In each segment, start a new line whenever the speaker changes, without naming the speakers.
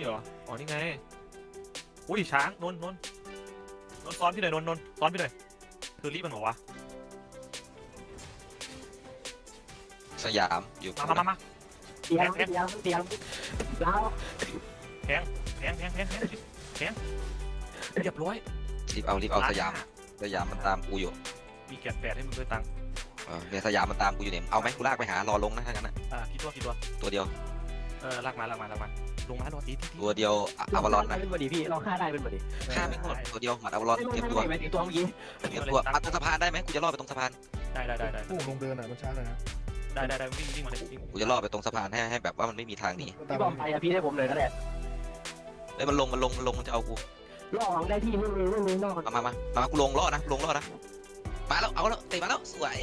เหรออ๋อนี่ไงอุ้ยช้างนนซ้อนพี่หน่อยนนซ้อนพี่หน่อยเธอรีบมันบอกวะ
สยามอยู่
มา
เตียงแล้ว
แทงเรียบร้อย
รีบเอาสยามมันตามกูอยู่
มีแกะแปดให้มึงด้วยตังค์
เนี่ยสยามมันตามกูอยู่เนี่ยเอาไหมกูลากไปหารอลงนะถ้างั้นนะ
กี่ตัว
ตัวเดียว
ลากมาลงมารอตี
ตัวเดียวอวารอนนะ
เป็นบอดีพี่เราฆ่าได้เป็นบอดี
ฆ่าไม่หมดตัวเดียวหมัดอวารอนเตรียมตัว
ไม่ถึงตัวเมื่อกี้
เตรียมตัวมาตรงสะพานได้ไหมกูจะล่อไปตรงสะพาน
ได้
โอ้ลงเดินอ่ะมันช้าเลยนะ
ได้วิ่งมาเลยวิ่ง
กูจะล่อไปตรงสะพานให้แบบว่ามันไม่มีทางหนี
พี่บอมไปอะพี่ให้ผมเลยก็ได้
เอ้ยมันลงมันจะเอากู
ล่อของได้ที่ไม่มีล่อ
มากูลงล่อนะมาแล้วเอาแล้วเตะมาแล้วสวย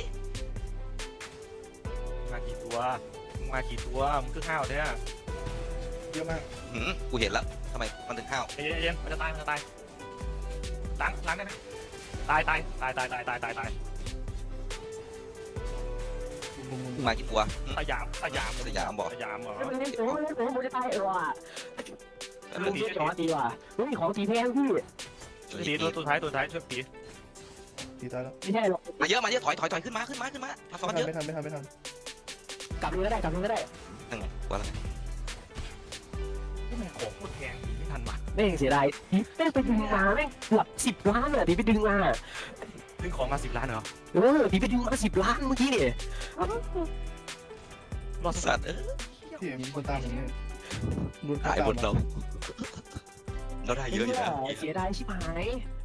มากี่ตัวมึงคือห้าวเนี่ย
เยอะมาก
กูเห็นแล้วทำไมมันถึงห้าว
เย็นมันจะตายล้างได้ไหมตาย
มากี่ตัว
สยามเหรอ
ผมจะตายว่ะลุงช่วยจอดีว่ะลุงมีของสีแพงพี่
ตีตัวท้ายช่วยตี
ตีตายแล้ว
ไม่ใช่หรอก
มาเยอะถอยขึ้นมามาซ้อนเยอะ
ไม่ทัน
กลับเลยก็ได้
นั่นไงว่าอะไร
ที่แม่ของโคตรแพงไม่ทันว่ะ
แม่งเสียดายแม่งไปดึงมาแม่งเกือบ10 ล้านเลยที่ไปดึงมา
ดึงของมา10 ล้านเหรอ
ที่ไปดึงมา10 ล้านเมื่อกี้เนี่ย
รอ
สัตว์
ที่มีคนตามผมเนี่ยรุน
หายหมดเราได้เยอะอยู่นะ
เสียดายชิบหาย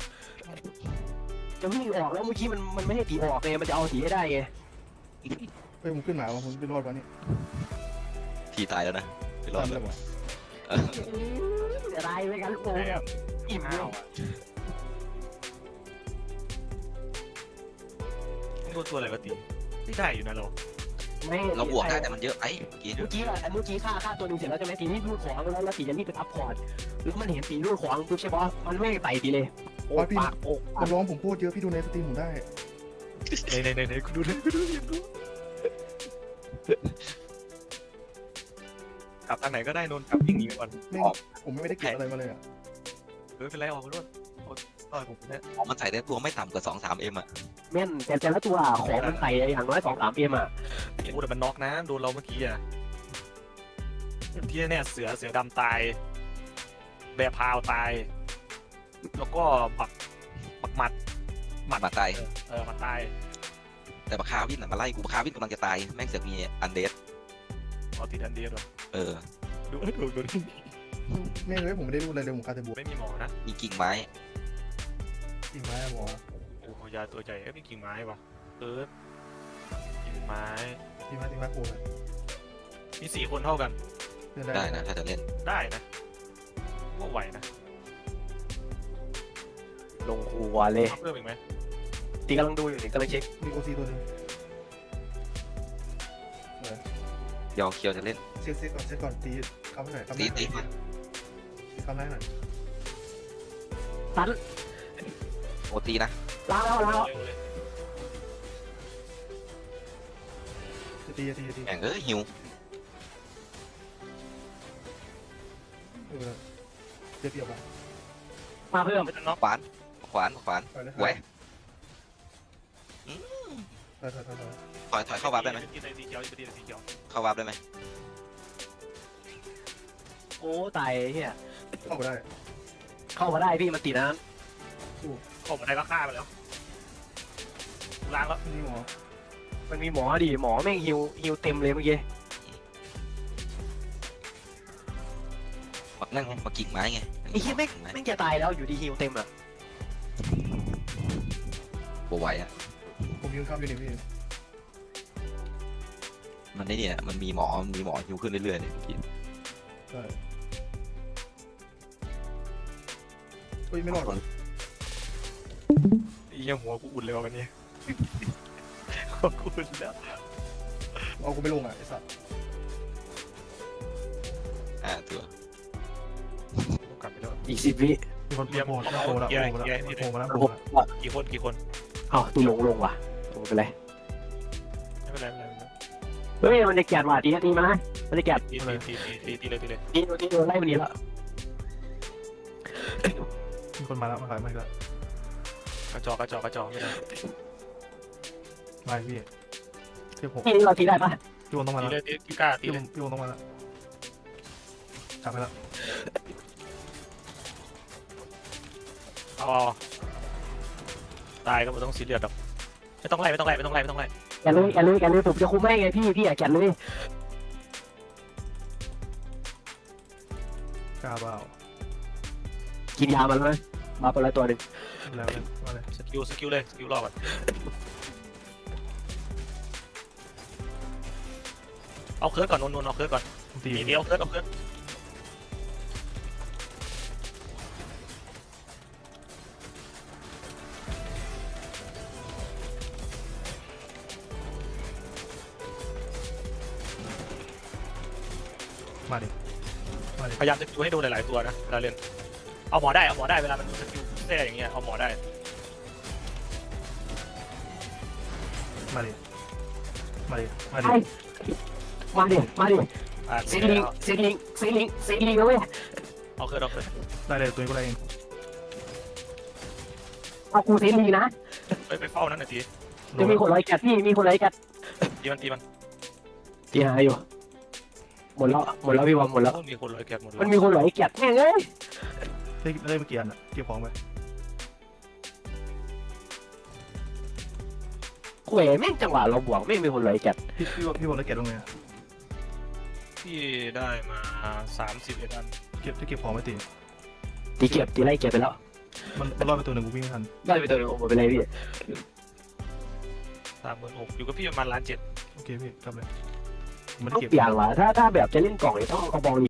จะวิ่งออกแล้วเมื่อกี้มันไม่ให้ตีออกเลยมันจะเอาตีให้ได้ไง
เฮ้ยผมขึ้นหมาผมไปรอดวะนี่
ทีตายแล้วนะไปรอ
ตา
ด
ม
แล้
เล
วย
วะ
เสียดายไปกันลูกโป่งแบบอิ่มเล
ห้าวย โดนตัวอะไรมาตีไม่ได้อยู่นะเรา
เราบวกได้แต่มันเยอะไปเมื่อกี้
เมื่อกี้ฆ่าตัวหนึ่งเสร็จแล้วใช่ไหมทีนี้รูดของแล้วตีจะรีบไปอัพพอร์ตแล้วมันเห็นตีรูดของปุ๊บใช่ปะมันไม่ไต่ตีเลยโอ้ปากโอ้
มันร้องผมโคตรเยอะพี่ดูในสตรีมผมได้
ในกูดูกลับทางไหนก็ได้นนกลับวิ่งหนีก่อน
ผมไม่ได้เก็บอะไรมาเลยอ่ะ
เป็นไรออกไปด้วยต่อยผมเนี่ย
มันใส่ได้ตัวไม่ต่ำกว่า2-3Mอ่ะ
แม่นแต่ละตัวของมันไต่อย่างน้อย2-3 เอ็มอ่ะ
โอ้แต่มันน็อกนะโดนเราเมื่อกี้อ่ะที่เนี่ยเสือดำตายแบร์พาวตายแล้วก็ปักหมัด
มาตาย
หมัดตาย
แต่บักคาวินมาไล่กูบักคาวินกำลังจะตายแม่งเสือกมีอันเดส
ติดอันเดียวด้วย ดู
แม่งเลยผมไม่ได้รู้อะไรเลยผมคาเทบุ
ไม่มีหมอนะ
มีกิ่งไม้
จริงไหมหมอ
โอ้ยาตัวใหญ่มีกิ่งไม้วะกิ่งไม้
จริงไหมโอ้ย
มี4 คนเท่ากัน
ได้นะถ้าจะเล่น
ได้นะก็ไหวนะ
ลงครัวเลย
เพิ่มอีกไหม
ตีกำลังดูอยู่นี่กำลังเช็ค
มีโอซีตัวนึง
เดี๋ยวเคียวจะเล่น
เช็คก่อนตีคำหน่อยคำห
ตี
น่อยหน่อย
ตัน
โอตีนะ
ล้างแล้ว
จะตี
แม่งหิว
เดี๋ยวเปรียบอ่ะ
มาเพิ่ม
ไม่ต้องน็อก
ขวานไว้ ถอยเข้าวาร์ปได้ไหม
ตีสีเขียวตีสีเขียว
เข้าวาร์ปได้ไหม
โอ้ตายเฮีย
เข้าไปได้
เข้ามาได้พี่มันติดนะ
ออกมาได้ก็ฆ่าไปแล้วล้างแล้ว
นี่หมอ
มันมีหมอดิหมอแม่งฮิวเต็มเลยเมื่อกี้
นั่งมากิ่งไม้ไง
ไอ้เฮียแม่งจะตายแล้วอยู่ดีฮิวเต็มอ่ะ
โบไหวอ่ะ
ผมยืนข้ามอยู่นี่พี่
มันได้เนี่ยมันมีหมอหิวขึ้นเรื่อยๆเนี่ยเมื่อกี้
ใช่เฮ้ยไม่รอด
ยังหัวกูอุ่นเลยวันนี้หัวกูอุ่นแล้ว
เอากูไม่ลงอ่ะไอ้สัตว์
ตัว
กลับไปแล้ว
อีก10 วิ
มีคนโผล่แล้วโผล่แล้วโผล่แล้ว
กี่คน
เอ้าตีลงว่ะไม่เป็นไร
ไม่เป็นไร
เฮ้ยมันจะแกะว่ะตีมามันจะแกะ
ตีเลย
ตีโดนไล่มันหนีแล้ว
มีคนมาแล้วมาขายมาอีกแล้ว
กระจอกไม่ได้
มาพี่เทียบผม
ที่เราตีได้ปะ
พี่วงต้องมา
ตี
แล้ว
เลยตีกล้าตี
พี่ว
เล
ง
ย
พี่วงต้องมาแล้วจับไปแล้ว
เอาตายก็ไม่ต้องซีเรียสหรอกไม่ต้องไล่
แกเลยผมจะคุมให้ไงพี่อยากแกเลย
กล้าเปล่า
กินยามันเลยมาไปละตัวหนึ่ง
แล้วเลยมาเลย
สกิลเลยสกิลรอบก่อนเอาเคิร์ดก่อนนนเอาเคิร์ดก่อน
ตี
ตีเดียวเคิร์ดเอาเคิร์ด
มาดิ
พยายามจะดูให้โดนหลายๆตัวนะเวลาเล่นเอาหมอได้เวลามันสกิลแท้อย่างเงี้ยเอาหมอได้
มาดิมาดิ
มาดิ
อ่า
ซีลิงนะเว้ย
เอาเคิร์ด
ได้เลยตัวนี้ก็ได้เอง
เอากูซีลิงนะ
ไปเฝ้านั่นหน่อยที
จะมีคนร้อยแกดพี่มีคนร้อยแกด
ตีมัน
ตีหาอยู่หมดแล้วพี่บอมหมดแล้ว
มีคนร้อยแกะหมดเล
มัน
ย
มีคนร้อยแกดแม่งเอ้ย
ได้เมื่อกี้อ่ะเก็บของไป
เขวแม่งจังหวะเราบวกแม่งมีคนร้อยแกด
พี่บอกได้เก็บตรงไหน
พี่ได้มา31 อัน
เก็บของไม่ตี
ตีไล่เก็บไปแล้ว
มันรอดไปตัวหนึ่งกูวิ่งไม่ทัน
ได้ไปตัวนึงโอ้โหไปเลยพี่
36,000อยู่กับพี่ประมาณ1,700,000
โอเคพี่กลับเลยมัน
ต้อง
เก็บ
เปลี่ยนว่ะถ้าแบบจะเล่นกล่องเนี่ยต้องเอากระบอง